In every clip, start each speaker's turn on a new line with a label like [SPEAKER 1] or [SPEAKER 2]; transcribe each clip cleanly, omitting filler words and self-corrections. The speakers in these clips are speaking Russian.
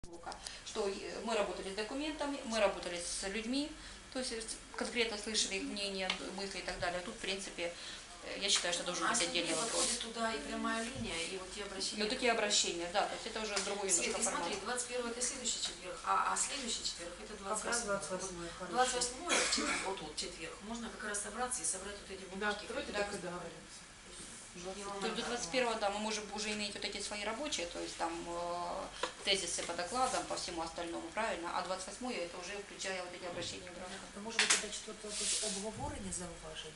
[SPEAKER 1] Что мы работали с документами, мы работали с людьми, то есть конкретно слышали их мнение, мысли и так далее. Тут, в принципе, я считаю, что должен быть отдельный вопрос.
[SPEAKER 2] Туда и прямая линия, и вот те обращения.
[SPEAKER 1] Ну, такие обращения, да, то есть это уже другой немножко формат.
[SPEAKER 2] Смотри, 21 это следующий четверг, а следующий четверг это 28. 28 вот четверг. Можно как раз собраться и собрать вот эти бумажки.
[SPEAKER 3] Да, давайте так и договоримся.
[SPEAKER 1] То есть до 21-го, да, мы можем уже иметь вот эти свои рабочие, то есть там тезисы по докладам, по всему остальному, правильно? А 28-е это уже включая вот эти обращения граждан.
[SPEAKER 4] Може бути до 4-го обговорення зауважень?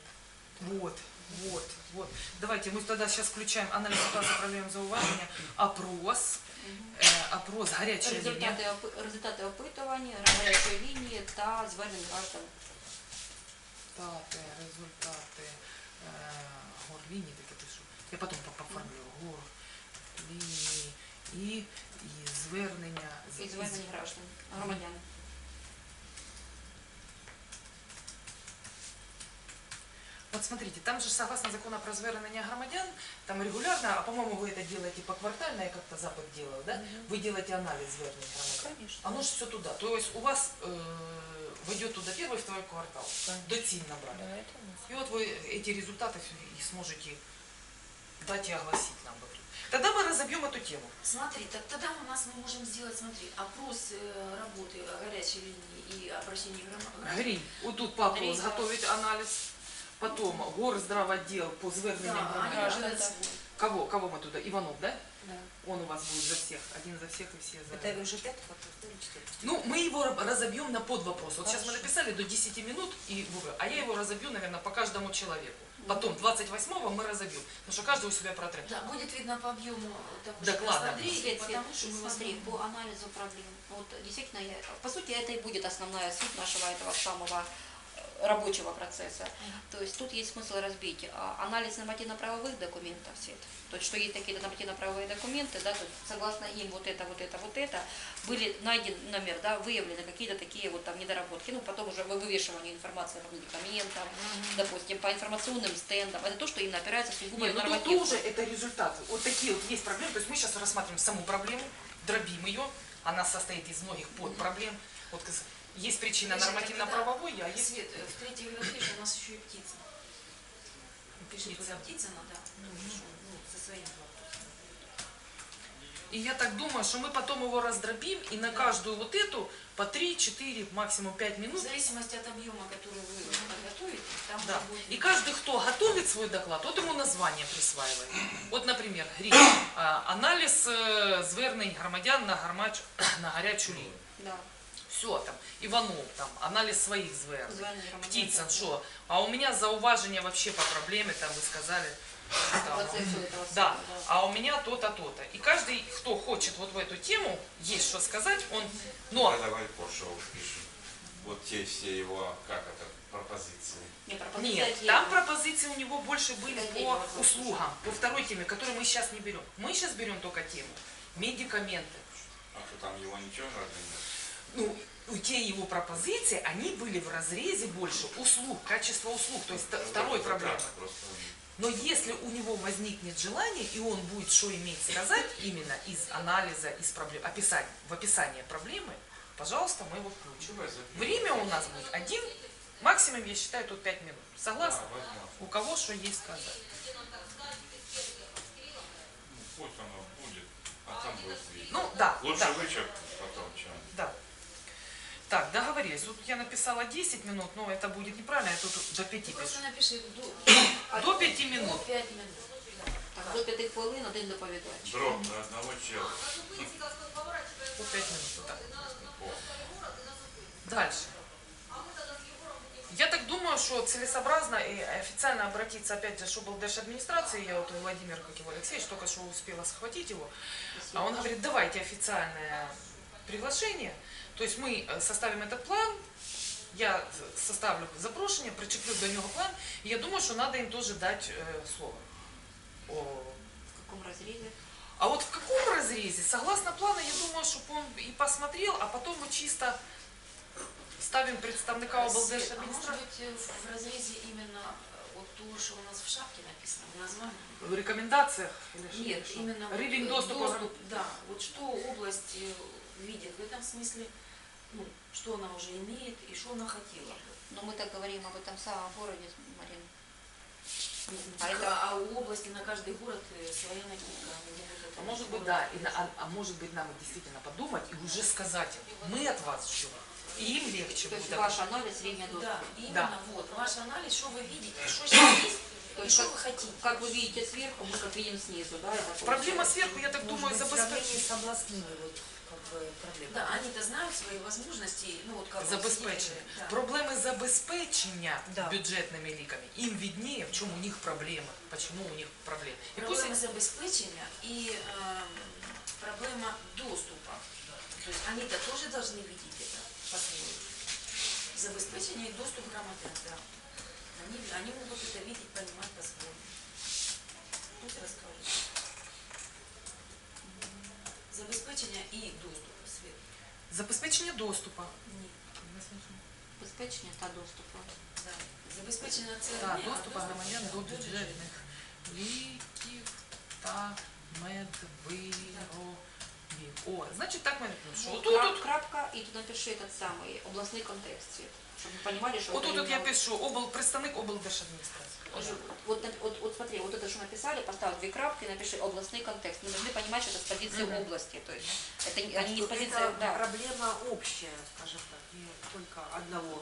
[SPEAKER 3] Вот. Давайте мы тогда сейчас включаем анализ ситуации, проблем зауваження, опрос, гарячої лінії.
[SPEAKER 1] Результати опитування, гарячої лінії та звернень граждан.
[SPEAKER 3] Результати горлінії, таке пишу. Я потім поформлю горлінії і звернення.
[SPEAKER 1] І звернень граждан, громадян.
[SPEAKER 3] Вот смотрите, там же согласно закону про звернення громадян, там регулярно, а по-моему вы это делаете поквартально, я как-то Запад делал, да? Вы делаете анализ звернень громадян.
[SPEAKER 1] Конечно.
[SPEAKER 3] Оно же все туда. То есть у вас войдет туда первый, второй квартал. Доцільно набрали. И вот вы эти результаты и сможете дать и огласить нам. Тогда мы разобьем эту тему.
[SPEAKER 2] Смотри, так тогда у нас мы можем сделать, смотри, опрос работы горячей линии и обращений граждан.
[SPEAKER 3] Гринь, вот тут папа изготовить анализ. Потом горздравотдел по зверненням граждан. Кого мы туда? Иванов, да?
[SPEAKER 4] Да.
[SPEAKER 3] Он у вас будет за всех, один за всех и все за...
[SPEAKER 4] Это уже 5 вопросов или 4?
[SPEAKER 3] Ну, мы его разобьем на подвопросы. Вот сейчас мы написали до 10 минут, а я его разобью, наверное, по каждому человеку. Потом 28-го мы разобьем, потому что каждый у себя протрет.
[SPEAKER 2] Да, будет видно по объему
[SPEAKER 3] доклада.
[SPEAKER 1] Потому что, смотри, по анализу проблем, вот действительно, по сути, это и будет основная суть нашего этого самого рабочего процесса. То есть тут есть смысл разбить анализ нормативно-правовых документов, то есть что есть такие нормативно-правовые документы, да, то есть, согласно им вот это, были найдены, например, да, выявлены какие-то такие вот там недоработки, ну потом уже вывешивание информации по медикаментам, допустим, по информационным стендам, это то, что именно опирается сугубо на нормативы.
[SPEAKER 3] Тоже это результаты. Вот такие вот есть проблемы, то есть мы сейчас рассматриваем саму проблему, дробим ее, она состоит из многих подпроблем. Вот есть причина нормативно-правовой, а есть...
[SPEAKER 2] Свет, в третьей главе у нас еще и птица. Пишет туда Птицына, да, со своим вопросом.
[SPEAKER 3] И я так думаю, что мы потом его раздробим, и на каждую вот эту по 3-4, максимум 5 минут.
[SPEAKER 2] В зависимости от объема, который вы подготовите, там будет...
[SPEAKER 3] И каждый, кто готовит свой доклад, вот ему название присваивает. Вот, например, анализ звернень громадян на гарячу лінію.
[SPEAKER 1] Да.
[SPEAKER 3] Все, там, Иванов, там, анализ своих звернень, Птицын, что. А у меня зауважение вообще по проблеме, там, вы сказали. Там, да, а у меня то-то, то-то. И каждый, кто хочет вот в эту тему, есть что сказать, он... Но...
[SPEAKER 5] Давай позже пишем. Вот те все его, как это, пропозиции.
[SPEAKER 3] Нет, там пропозиции у него больше были по услугам, по второй теме, которую мы сейчас не берем. Мы сейчас берем только тему медикаменты.
[SPEAKER 5] А что там его ничего нет?
[SPEAKER 3] Ну, те его пропозиции, они были в разрезе больше услуг, качества услуг, то есть второй проблемы. Но если у него возникнет желание, и он будет что иметь сказать именно из анализа, из проблем, в описании проблемы, пожалуйста, мы его включим. Время у нас будет 1, максимум, я считаю, тут 5 минут. Согласны? У кого что есть сказать.
[SPEAKER 5] Пусть оно будет, а там будет видно.
[SPEAKER 3] Ну, да.
[SPEAKER 5] Лучше вычеркнуть потом, чем...
[SPEAKER 3] Да. Так, договорились. Тут я написала 10 минут, но это будет неправильно, я тут до 5 пишу.
[SPEAKER 2] Просто напиши
[SPEAKER 3] До 5 минут.
[SPEAKER 2] До 5 минут.
[SPEAKER 1] Так, до 5 хвилин один доповідач.
[SPEAKER 5] Дроб на одного чела.
[SPEAKER 3] По 5 минут. Так. Дальше. Я так думаю, что целесообразно и официально обратиться опять же, что был администрации, я вот Владимир, как его Алексеевич, только что успела схватить его, а он говорит, давайте официальное приглашение, то есть мы составим этот план, я составлю запрошение, причеплю до него план, и я думаю, что надо им тоже дать слово.
[SPEAKER 1] В каком разрезе?
[SPEAKER 3] А вот в каком разрезе, согласно плану, я думаю, чтобы он и посмотрел, а потом мы чисто ставим представника облдержадминистрации.
[SPEAKER 2] А может быть в разрезе именно вот то, что у нас в шапке написано, в названии?
[SPEAKER 3] В рекомендациях?
[SPEAKER 2] Нет, именно
[SPEAKER 3] Рівень
[SPEAKER 2] вот
[SPEAKER 3] доступа.
[SPEAKER 2] да, вот что область видит в этом смысле, ну, что она уже имеет и что она хотела бы.
[SPEAKER 1] Но мы так говорим об этом самом городе, Марина.
[SPEAKER 2] А у области на каждый город своя накидка.
[SPEAKER 3] А может быть, да, а может быть, нам действительно подумать и уже сказать им, мы от вас ждем. И им легче
[SPEAKER 1] То есть
[SPEAKER 3] будет.
[SPEAKER 1] ваш анализ, время доступа.
[SPEAKER 2] Да, именно
[SPEAKER 3] Да.
[SPEAKER 2] вот, ваш анализ, что вы видите, что сейчас есть,
[SPEAKER 1] То
[SPEAKER 2] и
[SPEAKER 1] есть
[SPEAKER 2] что вы хотите.
[SPEAKER 1] как вы видите сверху, мы как видим снизу, да? Это
[SPEAKER 3] Проблема сверху, я так думаю,
[SPEAKER 4] Может быть, в сравнении
[SPEAKER 3] забезпечення.
[SPEAKER 4] с областными вот, как бы, проблемами.
[SPEAKER 2] Да, они-то знают свои возможности, ну вот как
[SPEAKER 3] Забезпечення.
[SPEAKER 2] Да.
[SPEAKER 3] Проблеми забезпечення
[SPEAKER 4] Да.
[SPEAKER 3] бюджетними ліками. Їм виднее, в чому у них проблема. Почему у них проблемы. И пусть
[SPEAKER 2] Проблема забеспечения и проблема доступа. То есть они-то тоже должны видеть это по-своему. Забеспечение и доступ грамотен, да. Они могут это видеть, понимать по-своему. Пусть расскажут. Забеспечение и доступ. Свет.
[SPEAKER 3] забезпечення доступу.
[SPEAKER 2] Ні.
[SPEAKER 1] Забезпечення та доступу.
[SPEAKER 2] Да. Забезпечення це
[SPEAKER 3] Так,
[SPEAKER 2] одне, а
[SPEAKER 3] доступу
[SPEAKER 2] доступ
[SPEAKER 3] громадян
[SPEAKER 2] це
[SPEAKER 3] до
[SPEAKER 2] дуже
[SPEAKER 3] бюджетних ліків та медвиробів. О, значить так ми що
[SPEAKER 1] Ну,
[SPEAKER 3] тут.
[SPEAKER 1] крапка, и тут напиши этот самый областной контекст, Свет, чтобы вы понимали, что... это
[SPEAKER 3] Отут я
[SPEAKER 1] именно-
[SPEAKER 3] пишу, представник облдержадміністрації.
[SPEAKER 1] Вот смотри, вот это, что написали, поставь 2 крапки, напиши областный контекст. Мы должны понимать, что это с позиции области. То есть это они не с позиции...
[SPEAKER 4] Это
[SPEAKER 1] Да.
[SPEAKER 4] проблема общая, скажем так, не только одного.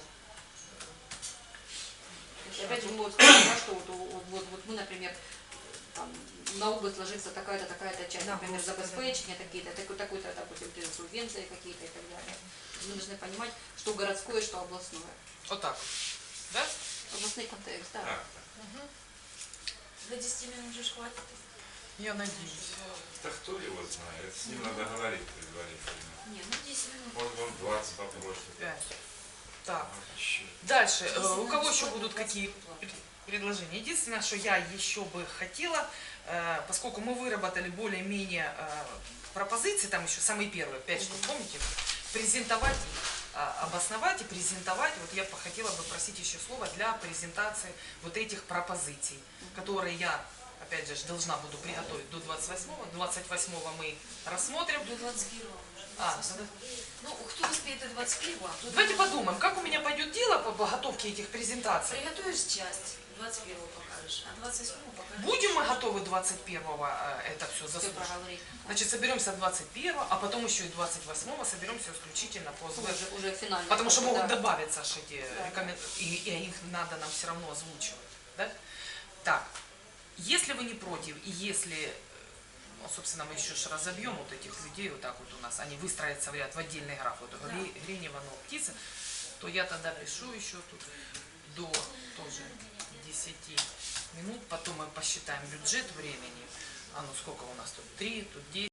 [SPEAKER 1] И опять же, мы вот сказали, да, что вот мы, например, там, на область ложится такая-то, такая-то часть,
[SPEAKER 4] Да,
[SPEAKER 1] например,
[SPEAKER 4] просто,
[SPEAKER 1] забеспечения такие-то, такой-то, допустим, субвенции какие-то и так далее. Мы должны понимать, что городское, что областное.
[SPEAKER 3] Отак. Да?
[SPEAKER 1] Областный контекст, да.
[SPEAKER 5] Так,
[SPEAKER 2] До 10 минут же хватит.
[SPEAKER 3] Я надіюсь.
[SPEAKER 5] да кто его знает? С ним надо говорить предварительно.
[SPEAKER 2] Не, ну 10 минут.
[SPEAKER 5] Может, он 20 попросит.
[SPEAKER 3] 5. Так.
[SPEAKER 5] А, еще.
[SPEAKER 3] Дальше.
[SPEAKER 2] 10
[SPEAKER 3] У
[SPEAKER 2] минут
[SPEAKER 3] кого еще
[SPEAKER 2] бесплатно,
[SPEAKER 3] будут
[SPEAKER 2] 20
[SPEAKER 3] какие
[SPEAKER 2] бесплатно.
[SPEAKER 3] предложения? Единственное, что я еще бы хотела, поскольку мы выработали более-менее пропозиции, там еще самые первые 5 штук, помните, презентовать их, обосновать и презентовать. Вот я бы хотела бы просить еще слово для презентации вот этих пропозиций, которые я, опять же, должна буду приготовить до 28-го. 28-го мы рассмотрим.
[SPEAKER 2] До 21-го.
[SPEAKER 3] А,
[SPEAKER 2] Ну, кто успеет до 21-го? тот
[SPEAKER 3] давайте
[SPEAKER 2] и-
[SPEAKER 3] подумаем, как у меня пойдет дело по подготовке этих презентаций.
[SPEAKER 2] Приготовишь часть, 21-го покажешь, а 28-го покажешь.
[SPEAKER 3] Будем мы готовы 21-го это все
[SPEAKER 1] Все
[SPEAKER 3] заслушать?
[SPEAKER 1] проговорить.
[SPEAKER 3] Значит, соберемся 21-го, а потом еще и 28-го соберемся исключительно по СВ.
[SPEAKER 1] Уже финально.
[SPEAKER 3] Потому что могут
[SPEAKER 1] да.
[SPEAKER 3] добавиться аж эти
[SPEAKER 1] Да.
[SPEAKER 3] рекомендации, и их надо нам все равно озвучивать. Да? Так, если вы не против, и если, ну, собственно, мы еще разобьем вот этих людей, вот так вот у нас, они выстроятся в ряд, в отдельный граф, вот Гринева, но птица, то я тогда пишу еще тут до тоже 10 минут, потом мы посчитаем бюджет времени, а ну сколько у нас тут, 3, тут 10.